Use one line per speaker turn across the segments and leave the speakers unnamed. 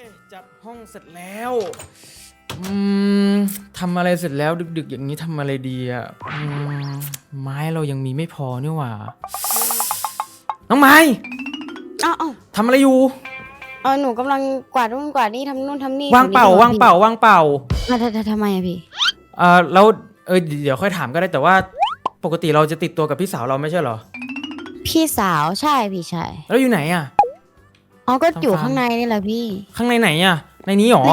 จัดห้องเสร็จแล้วทำอะไรเสร็จแล้วดึกๆอย่างนี้ทำอะไรดีอ่ะไม้เรายังมีไม่พอนี่หว่าน้องไม้
อ้าว
ทำอะไรอยู่
หนูกำลังกวาดนู่นกวาดนี่ทำนู่นทำนี่
ว่างเปล่าว่างเปล่าว่างเปล่า
ทำไมอะพี่
แล้วเดี๋ยวค่อยถามก็ได้แต่ว่าปกติเราจะติดตัวกับพี่สาวเราไม่ใช่เหรอ
พี่สาวใช่พี่ใช่
แล้วอยู่ไหนอ่ะ
ก็อยู่ข้างในนี่แหละพี่
ข้างในไหนอ่ะในนี้หรอ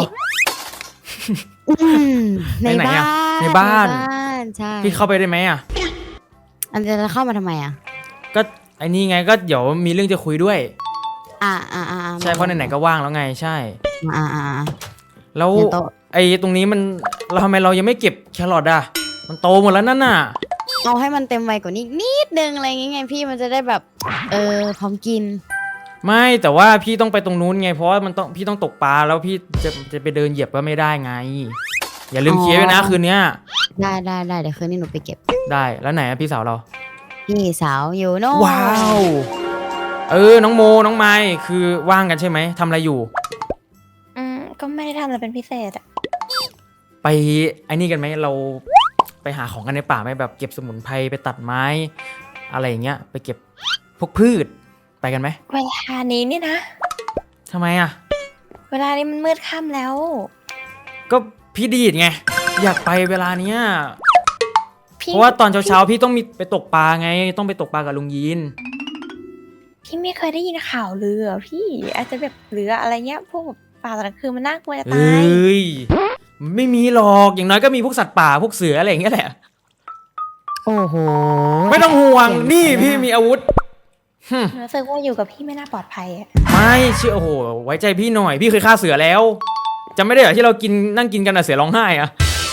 ในบ้าน
ในบ้าน
ใช่
พี่เข้าไปได้ไหมอ่ะ
อันจะเข้ามาทำไมอ่ะ
ก็ไอ้นี่ไงก็เดี๋ยวมีเรื่องจะคุยด้วยใช่เพราะไหนๆก็ว่างแล้วไงใช่แล้วไอ้ตรงนี้มันเราทำไมเรายังไม่เก็บแครอทอ่ะมันโตหมดแล้วนั่นน่ะ
เอาให้มันเต็มวัยกว่านี้นิดนึงอะไรอย่างเงี้ยพี่มันจะได้แบบพร้อมกิน
ไม่แต่ว่าพี่ต้องไปตรงนู้นไงเพราะว่าพี่ต้องตกปลาแล้วพี่จะไปเดินเหยียบก็ไม่ได้ไงอย่าลืมเคลียร์ไว้นะคืนนี้
ได้เดี๋ยวคืนนี้หนูไปเก็บ
ได้แล้วไหนพี่สาวเรา
พี่สาวอยู่โน่
ว้าวน้องโมน้องไม้คือว่างกันใช่ไหมทำอะไรอยู่
ก็ไม่ได้ทำอะไรเป็นพิเศษอะ
ไปไอ้นี่กันไหมเราไปหาของกันในป่าไหมแบบเก็บสมุนไพรไปตัดไม้อะไรอย่างเงี้ยไปเก็บพวกพืชไปกันไหม
เวลานี้นี่นะ
ทำไมอ่ะ
เวลานี้มันมืดค่ำแล้ว
ก็พี่ดีดไงอยากไปเวลาเนี้ยเพราะว่าตอนเช้าพี่ต้องมีไปตกปลาไงต้องไปตกปลากับลุงยีน
พี่ไม่เคยได้ยินข่าวเรือพี่อาจจะแบบเรืออะไรเงี้ยพวกป่าตอนกลางคืนมันน่ากลัวจะตาย
ไม่มีหรอกอย่างน้อยก็มีพวกสัตว์ป่าพวกเสืออะไรอย่างเงี้ยแหละ
โอ้โห
ไม่ต้องห่วงนี่พี่มีอาวุธ
รู้สึกว่าอยู่กับพี่ไม่น่าปลอดภัยอ่ะ
ไม่เชื่อโอ้โหไว้ใจพี่หน่อยพี่เคยฆ่าเสือแล้วจำไม่ได้เหรอที่เรากินนั่งกินกันอะเสือร้องไห้อะ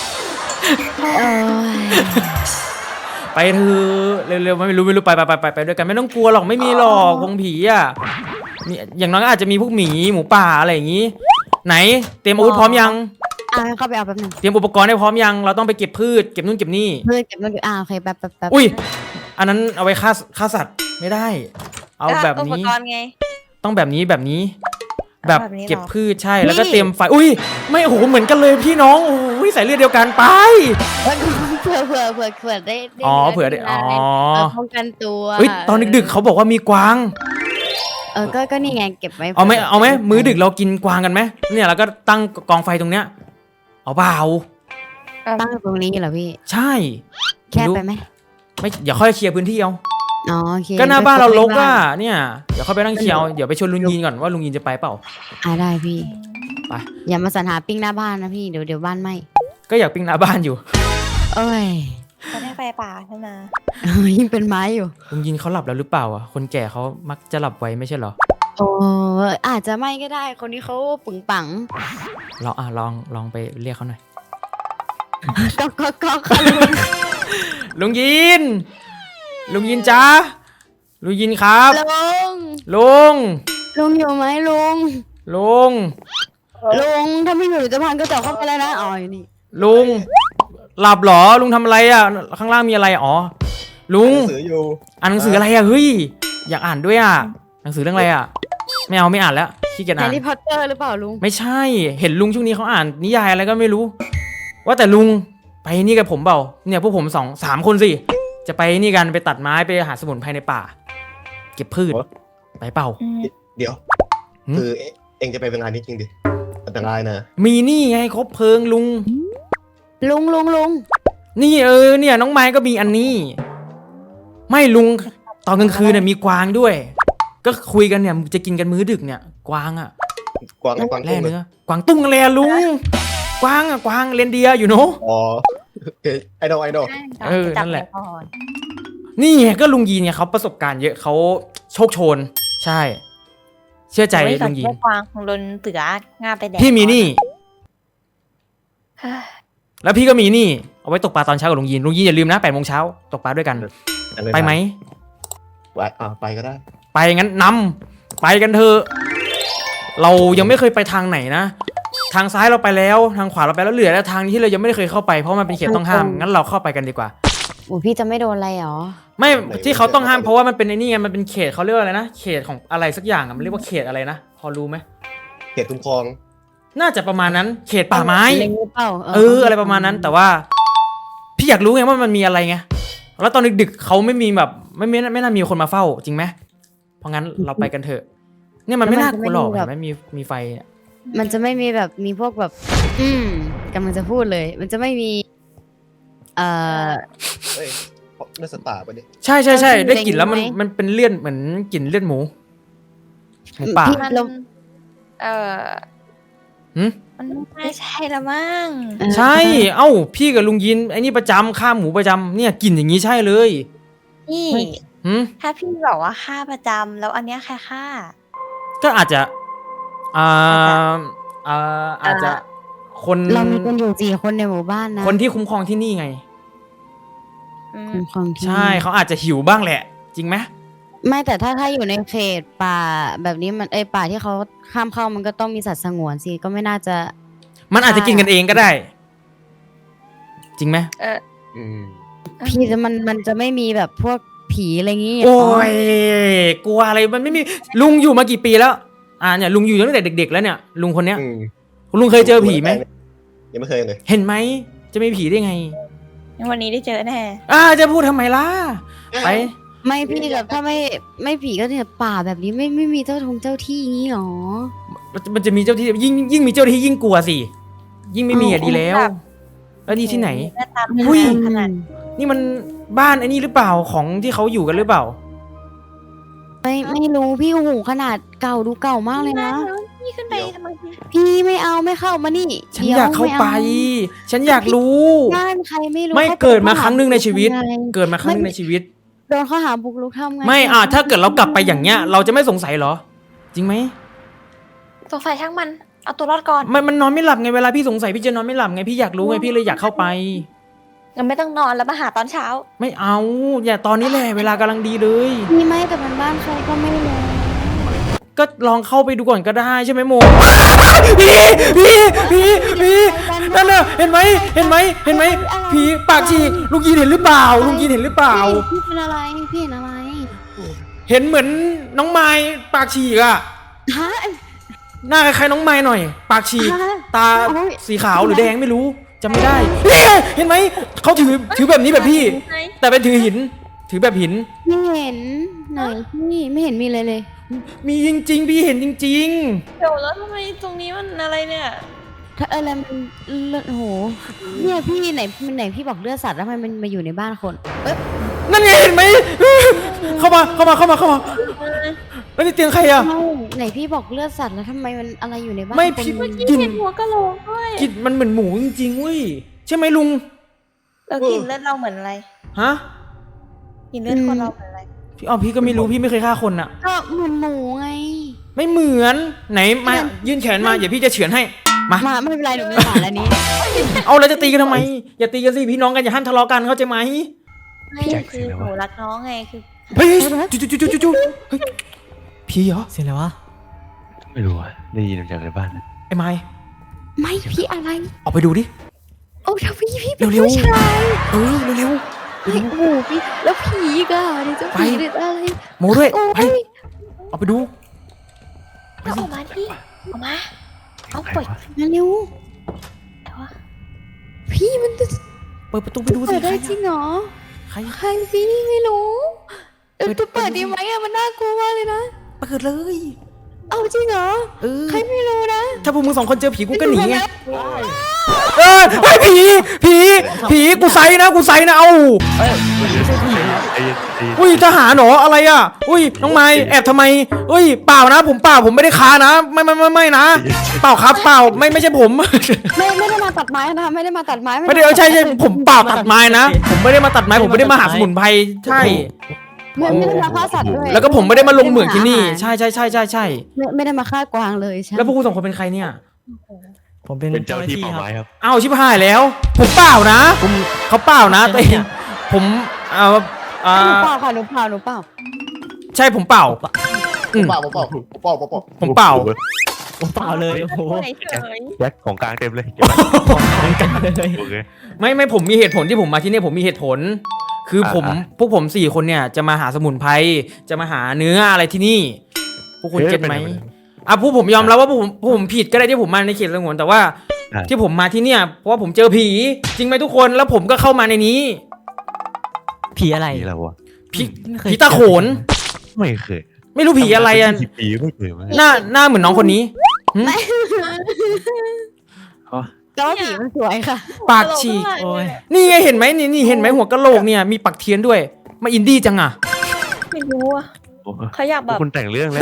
ไปเถอะเร็วๆไม่รู้ไปด้วยกันไม่ต้องกลัวหรอกไม่มีหรอกวงผีอะมีอย่างน้อยก็อาจจะมีพวกหมีหมูป่าอะไรอย่างงี้ไหนเตรียมอาวุธพร้อมยัง
เข้าไปเอาแป๊บนึง
เตรียมอุปกรณ์ให้พร้อมยังเราต้องไปเก็บพืชเก็บนู่นเก็บนี่
พืชเก็บนู่นโอเคแป๊บ
อุ้ยอันนั้นเอาไว้ฆ่าสัตว์ไม่ได้เอาแบบนี้
อุปกรณ์ไง
ต้องแบบนี้แบบเก็บพืชใช่แล้วก็เตรียมไฟอุ้ยไม่โอ้โหเหมือนกันเลยพี่น้องโอ้ยใส่เลือดเดียวกันไป
เผื่อได้
เผื่อได้
ป้องกันตัว
ตอนดึกๆเขาบอกว่ามีกวาง
ก็นี่ไงเก็บไว้
เอาไหมมื้อดึกเรากินกวางกันไหมเนี่ยแล้วก็ตั้งกองไฟตรงเนี้ยเอาเปล่า
ตั้งตรงนี้เหรอพี่
ใช่
แคบไปไหม
ไม่อย่าค่อยเคลียร์พื้นที่เอา
โอเค
ก็หน้าบ้านเรารกอ่ะเนี่ยเดี๋ยวเข้าไปนั่งเคียวเดี๋ยวไปชวนลุงยินก่อนว่าลุงยินจะไปเปล่า
ได้พี่
ไป
อย่ามาสรรหาปิ้งหน้าบ้านนะพี่เดี๋ยวบ้านไหม้
ก็อยากปิ้งหน้าบ้านอยู่
จะได้ไฟป่าขึ้นมา
ยิ่งเป็นไม้อยู่
ลุงยินเขาหลับแล้วหรือเปล่าอ่ะคนแก่เขามักจะหลับไวไม่ใช่เหรอ
อาจจะไม่ก็ได้คนนี้เขาปึงปัง
ลองไปเรียกเขาหน่อย
ก็
ลุงยินจ้าลุงยินครับลุง
อยู่ไหมลุงถ้าไม่อยู่จะพันก็จะเข้าไปแล้วนะอยู่นี่
ลุงหลับหรอลุงทำอะไรอ่ะข้างล่างมีอะไรลุงอ่านหนังสืออะไรอ่ะเฮ้ยอยากอ่านด้วยอ่ะหนังสือเรื่องอะไรอ่ะไม่อ่านแล้วขี้เกียจอ่าน
แฮร์รี่พอตเตอร์หรือเปล่าลุง
ไม่ใช่เห็นลุงช่วงนี้เขาอ่านนิยายอะไรก็ไม่รู้ว่าแต่ลุงไปนี่กับผมเปล่าเนี่ยพวกผม3 คนสิจะไปนี่กันไปตัดไม้ไปหาสมุนไพรในป่าเก็บพืชไปเปล่า
เดี๋ยวคือเองจะไปเป็นงานนี้จริงดิอันตรายนะ
มีนี่ไงครบเพลิงลุงนี่เนี่ยน้องไม้ก็มีอันนี้ไม่ลุงตอนกลางคืนเนี่ยมีกวางด้วยก็คุยกันเนี่ยจะกินกันมื้อดึกเนี่ยกวางแล่เนื้อกวางตุ้งอะไรลุงกวางเรนเดียอยู่เนาะ
ไอดอล
นั่นแหละนี่ไงก็ลุงยีนเนี่ยเขาประสบการณ์เยอะเขาโชคโชนใช่เชื่อใจลุงยีน
กวางของโดนเสืองาไปแดก
พี่มีนี่แล้วพี่ก็มีนี่เอาไว้ตกปลาตอนเช้ากับลุงยีนอย่าลืมนะ8 โมงเช้าตกปลาด้วยกันไปไหม
ไปก็ได้
ไปงั้นไปกันเถอะเรายังไม่เคยไปทางไหนนะทางซ้ายเราไปแล้วทางขวาเราไปแล้วเหลือแล้วทางที่เรายังไม่ได้เคยเข้าไปเพราะมันเป็นเขตต้องห้ามงั้นเราเข้าไปกันดีกว่า
พี่จะไม่โดนอะไรหรอ
ไม่ที่เขาต้องห้ามเพราะว่ามันเป็นไอ้นี่ไงมันเป็นเขตเขาเรียกว่าอะไรนะเขตของอะไรสักอย่างมันเรียกว่าเขตอะไรนะพอรู้ไหม
เขตคุ้มครอง
น่าจะประมาณนั้น เขตป่าไม้
เล็งหรือเปล่า
อะไรประมาณนั้น แต่ว่า พี่อยากรู้ไงว่ามันมีอะไรไงแล้วตอนดึกๆเขาไม่มีแบบไม่น่ามีคนมาเฝ้าจริงไหมเพราะงั้นเราไปกันเถอะ เนี่ยมันไม่น่ากลัวหรอกเห็นไหมมีไฟเนี่ย
มันจะไม่มีแบบมีพวกแบบ กำลังจะพูดเลย มันจะไม่มี
เฮ้ยเลือดสัตว์ป่าปะเนี่ย
ใช่ได้กลิ่นแล้ว
เล็งไหม
มันเป็นเลือดเหมือนกลิ่นเลือดหมูป่า
พี่
มัน
เรา
หืม
มันไม่ใช่ละมั้ง
ใช่ เอ้าพี่กับลุงยินไอ้นี่ประจำฆ่าหมูประจำเนี่ยกลิ่นอย่างนี้ใช่เลย
นี่
หืม
ถ้าพี่บอกว่าฆ่าประจำแล้วอันเนี้ยใครฆ่า
ก็อาจจะอาจจะคน
เรามีกันอยู่4 คนในหมู่บ้านนะ
คนที่คุ้มครองที่นี่ไง
อืม
คุ้มครองที่
ใช่เขาอาจจะหิวบ้างแหละ จริงไหม
ไม่แต่ถ้าอยู่ในเขตป่าแบบนี้มันป่าที่เขาข้ามเข้ามันก็ต้องมีสัตว์สงวนสิก็ไม่น่าจะ
มันอาจจะกินกันเองก็ได้ จริงไหม
อืม
พี่จะมันจะไม่มีแบบพวกผีอะไรงี้
โอ้ยกลัวอะไรมันไม่มีลุงอยู่มากี่ปีแล้วเนี่ยลุงอยู่ตั้งแต่เด็กๆแล้วเนี่ยลุงคนเนี้ย
อืม
ลุงเคยเจอผีไหม
ยังไม่เคยเลย
เห็นไหมจะมีผีได้ไง
วันนี้ได้เจอแน่
จะพูดทำไมล่ะไป
ไม่พี่แบบถ้าไม่ผีก็เนี่ยป่าแบบนี้ไม่มีเจ้าที่งี้หรอ
มันจะมีเจ้าที่ยิ่งมีเจ้าที่ยิ่งกลัวสิยิ่งไม่มีดีแล้ว แล้วนี่ที่ไหน
หน้าตา
อุ้ย
ขนาด
นี่มันบ้านไอ้นี่หรือเปล่าของที่เขาอยู่กันหรือเปล่า
ไม่รู้พี่โอ้โหขนาดเก่าดูเก่ามากเลยนะ
พี่ขึ้นไปทำไมพี่
พี่ไม่เอาไม่เข้ามานี่
ฉันอยากเข้าไป ฉันอยากรู้
บ้านใครไม่รู้
ไม่
ข
เกิดมาครั้งหนึ่งในชีวิต
ทำไง
เกิดมาครั้งหนึงในชีวิต
โดนข้อหาบุกรุกทำไง
ไม่ถ้าเกิดเรากลับไปอย่างเงี้ย เราจะไม่สงสัยเหรอ จริงไหม
สงสัยช่างมัน เอาตัวรอดก่อน
มันนอนไม่หลับไงเวลาพี่สงสัยพี่จะนอนไม่หลับไงพี่อยากรู้ไงพี่เลยอยากเข้าไป
งั้นไม่ต้องนอนแล้วมาหาตอนเช้า
ไม่เอา อย่าตอนนี้แหละเวลากำลังดีเลย
มีไหมแต่มันบ้านใครก็ไม่รู้
ก็ลองเข้าไปดูก่อนก็ได้ใช่ไหมโมพี่นั่นน่ะเห็นไหมผีปากฉีกลุงยีนเห็นหรือเปล่าลุงยีนเห็นหรือเปล่า
พี่เป็นอะไรพี่เห็นอะไร
เห็นเหมือนน้องไม้ปากฉีกอะ
ฮะ
หน้าคล้ายๆน้องไม้หน่อย ปากฉีก
ฮะ
ตา
โอ้ย
สีขาวหรือแดงไม่รู้จำไม่ได้นี่ไงเห็นไหมเขาถือแบบนี้แบบพี่ แต่เป็นถือหิน ถือแบบหิน
ไม่เห็นไหนพี่ไม่เห็นมีเลยเลย
มีจริงๆพี่เห็นจริง
เดี๋ยวแล้วทำไมตรงนี้มันอะไรเนี่ย
ถ้าอะไรมันเลือดโอ้โหเนี่ยพี่ไหนพี่บอกเลือดสัตว์แล้วทำไมมันมาอยู่ในบ้านคนเอ๊ะ
ๆ นั่นไงเห็นไหมเข้ามาแล้วนี่เตียงใครอะ
ไม่ไหนพี่บอกเลือดสัตว์แล้วทำไมมันอะไรอยู่ในบ้าน
ไม่
คน
พี่
กินหัวกะโหลกด้วย
กลิ่นมันเหมือนหมูจริงๆเว้ยใช่ไหมลุง
เรากินเลือดเราเหมือนอะไร
ฮะ
กินเลือดคนเราเหมือนอะไร
พี่ก็ไม่รู้พี่ไม่เคยฆ่าคนอะ
ก็เหมือนหมูไง
ไม่เหมือนไหนมายื่นแขนมาเดี๋ยวพี่จะเฉือนให้มา
ไม่เป็นไรหนูไม่สอนแล้วนี้
เอาแล้วจะตีกันทำไมอย่าตีกันสิพี่น้องกันอย่าห้ามทะเลาะกันเข้าใจไหม
ไม่คือหนูรักน้องไงคือ
เฮ้ยจู่เฮ้ยพี่เหรอ
เสียงอะไรวะ
ไม่รู้อะได้ยินมาจากในบ้านนะ
ไอ้ไม้
ไม่พี่อะไร
ออกไปดูดิ
โอ้ถ้าพี่เป็น
เร็วๆ
ผู้ชาย
เร็ว
เฮ้ยโอ้โหพี่แล้วผีก็เดี๋ยวจะผีหรืออะไร
ๆโมด้วย
โอ้
ไป
ย
ออกไปดู
เอาออกมาที่ออกมา เอาปล่อย
มาเร็ว
แต่ว่า
พี่มันจะ
เปิดประตูไปดูสิ
เปิดได้
ใคร
จริงเหรอ
ใคร
ใครพี่ไม่รู้เออ
เปิด
จะเปิดดีไหมอะมันน่ากลัวมากเลยนะ
เปิดเลย
เอาจริงเหรอ
เออ
ใครไม่รู้นะ
ถ้าพวกมึง2 คนเจอผีกูก็หนีไงไอ้ผีกูไซนะเอา
ไอ้เย็น
อุ้ยทหารเหรออะไรอ่ะอุ้ยน้องไม้แอบทำไมอุ้ยเปล่านะผมไม่ได้ค้านะไม่นะเปล่าครับเปล่าไม่ใช่ผม
ไม่ได้มาตัดไม้นะไม่ได้มาตัดไม้
ไม่ได้ใช่ผมเปล่าตัดไม้นะผมไม่ได้มาตัดไม้ผมไม่ได้มาหาสมุนไพรใช่
ไม่ได้มาฆ่าสัตว์ด้วย
แล้วก็ผมไม่ได้มาลงเหมืองที่นี่ใช่
ไม่ได้มาฆ่ากวางเลยใช่
แล้วพวกคุณ2 คนเป็นใครเนี่ย
ผมเป็น
เป็นเจ้าที่ป่า
ครับ
ไม้ครับ
อ้าวชิบหายแล้ว ผมเปล่านะเขาเปล่านะตัวเองผม
หนูเปล่าค่ะหนูเปล่า
ใช่ผมเปล่า
ผมเปล่า
ผมเปล่า
ผมเปล่าเลยโอ้โห
เฉย
แจ็คของกลางเต็มเลยเก็บไว้
ของกันเลย
โอเค
ไม่ผมมีเหตุผลที่ผมมาที่นี่ผมมีเหตุผล คือพวกผม4 คนเนี่ยจะมาหาสมุนไพรจะมาหาเนื้ออะไรที่นี่พวกคุณเก็ตไหมผู้ผมยอมรับว่าผมผิดก็ได้ที่ผมมาในเขตสงวนแต่ว่า ที่ผมมาที่เนี่ยเพราะว่าผมเจอผีจริงไหมทุกคนแล้วผมก็เข้ามาในนี้
ผีอะไร
ผีอะไรวะ
ผีตาโขน
ไม่เคย
ไม่รู้ผีอะไรอ่ะ
ผีไม่เคยมา
หน้าเหมือนน้องคนนี้
แต่ว่าผีมันสวยค่ะ
ปากฉีก
โอ้ย
นี่ไงเห็นไหมนี่เห็นไหมหัวกะโหลกเนี่ยมีปักเทียนด้วยมาอินดี้จังอ่ะ
ไม่รู้อะเขาอยากแบบ
คุณแต่งเรื่องแล้ว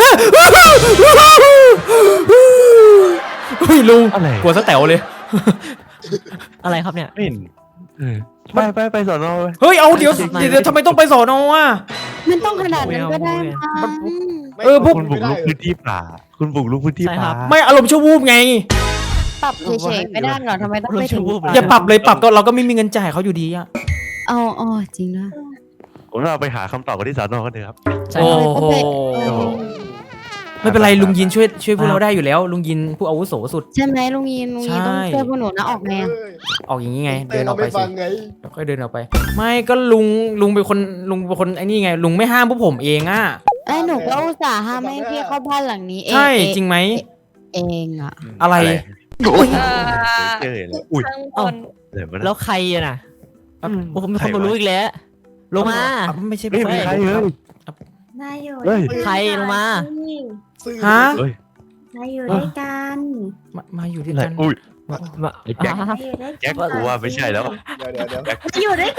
เฮ้ยลุง
อะไร
กลัวซะแต๋วเลย
อะไรครับเนี่ย
ไม่เห็นไปสอนอ
เฮ้ยเอาเดี๋ยวทำไมต้องไปสอนออ่ะ
มันต้องขนาดนั้นก็ได้มั้ง
พวก
คุณบุกรุกพื้นที่ป่า คุณบุกรุกพื้นที่ป่า
ไม่อารมณ์ชั่ววูบไง
ปรับเฉยๆไม่ได้หรอทำไมต้องไปถึง
อย่าปรับเลยปรับก็เราก็ไม่มีเงินจ่ายเขาอยู่ดีอ่ะ
อ๋อจริงนะ
ผมเราไปหาคำตอบกันที่สอนอกันเถอะครับ
ใช่
โอ้
ครับ
โหไม่เป็นไรลุงยินช่วยพวกเราได้อยู่แล้วลุงยินผู้อาวุโสสุด
ใช่ไหมลุงยินต้องช่วยพวกหนูนะออกไง
ออกอย่างนี้ไง
เต้
เดินอ
เรา
อกไป
ไม่
สิ
ฟังไง
แล้วก็เดินออกไป ไม่ก็ลุงเป็นคนไอ้นี่ไงลุงไม่ห้ามพวกผมเองอ่ะ
ไอ้หนูก็อุตส่าห์ห้ามให้พี่เข้าบ้านหลังนี้เอง
ใช่จริงไหม
เองอ่ะ
อะไร
เจอแล้วอุ้ย
ข้างบน
อะไรวะ
แล้วใครอะน่ะผมมีคนมารู้อีกแล้วลงมา
ไม่ใช่
ไม่มีใครเลย
นายอยู่
เฮ้ย
ด้วยกัน
ใครลงมา
ฮะ
เฮ้ย
นายอยู่ด้วยกัน
มาอยู่ด้วยกัน
อุ้ย
มา
ไอ้แจ็ค
นายอยู่ด้วย
แจ็คกูว่าไม่ใช่แล้ว
เดี๋ยว
กันอยู่ด้วยกัน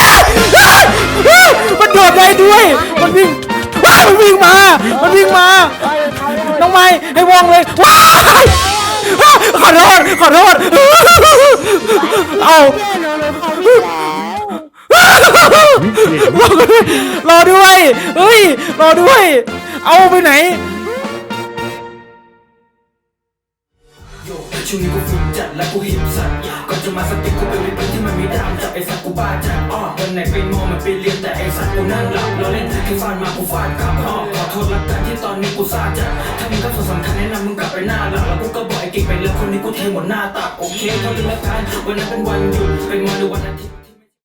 มันโดดได้ด้วยมันวิ่งมันวิ่งมาน้องไม้ให้วองเลยว้ายขอโทษเอา
เพื่อนหนูเขาวิ่งแล้ว
รอด้วยเฮ้ยรอด้วย เอาไปไหน
ช่วงนี้กูฝึกจัดและกูหิบสัตว์ก่อนจะมาสติกกูไปวิปที่มันไม่ดามจับไอ้สัตว์กูบ้าจัดวันไหนไปมองมันไปเรียนแต่ไอ้สัตว์กูนั่งหลับเราเล่นให้ฟาดมากูฟาดกลับขอโทษละกันที่ตอนนี้กูซาจัดถ้ามึงก็สำคัญแนะนำมึงกลับไปหน้าหลักแล้วกูก็บอกไอ้กิ๊กไปแล้วคนนี้กูเทหมดหน้าตักโอเคเท่านั้นละกันวันนั้นเป็นวันหยุดเป็นวันหรือวันอาทิตย์